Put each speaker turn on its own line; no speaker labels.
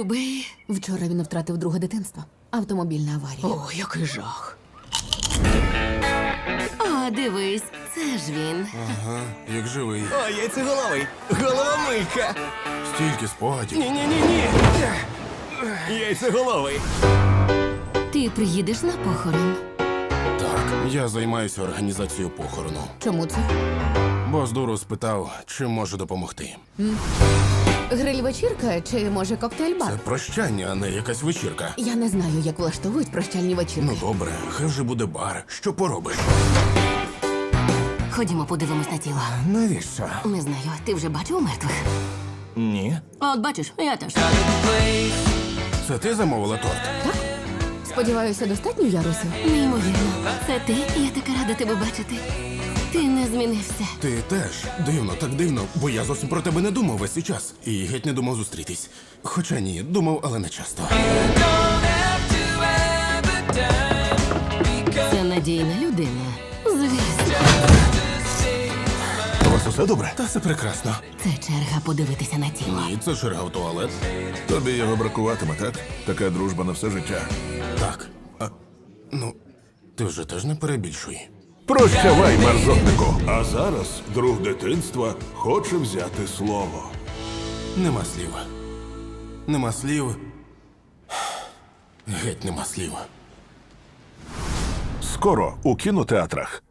Любий.
Вчора він втратив друге дитинство. Автомобільна аварія.
О, який жах. О, дивись, це ж він.
Ага, як живий.
О, яйцеголовий! Головомийка!
Стільки спогадів.
Ні-ні-ні-ні! Яйцеголовий!
Ти приїдеш на похорон?
Так, я займаюся організацією похорону.
Чому це?
Бос дуру спитав, чим можу допомогти.
Гриль-вечірка чи, може, коктейль-бар?
Це прощання, а не якась вечірка.
Я не знаю, як влаштовують прощальні вечірки.
Ну добре, хай вже буде бар. Що поробиш?
Ходімо, подивимось на тіло.
Навіщо?
Не знаю, ти вже бачив мертвих?
Ні.
От бачиш, я теж.
Це ти замовила торт?
Сподіваюся, достатньо ярусів?
Неймовірно. Це ти? Я така рада тебе бачити. Ти не змінився.
Ти теж. Дивно, так дивно, бо я зовсім про тебе не думав весь цей час. І геть не думав зустрітись. Хоча ні, думав, але не часто.
Це надійна людина. Звісно.
У вас усе добре?
Та все прекрасно.
Це черга подивитися на тіло.
Ні, це черга в туалет.
Тобі його бракуватиме, так? Така дружба на все життя.
Так. Ну, ти вже теж не перебільшуй.
Прощавай, мерзотнику! А зараз друг дитинства хоче взяти слово.
Нема слів. Нема слів. Геть нема слів.
Скоро у кінотеатрах.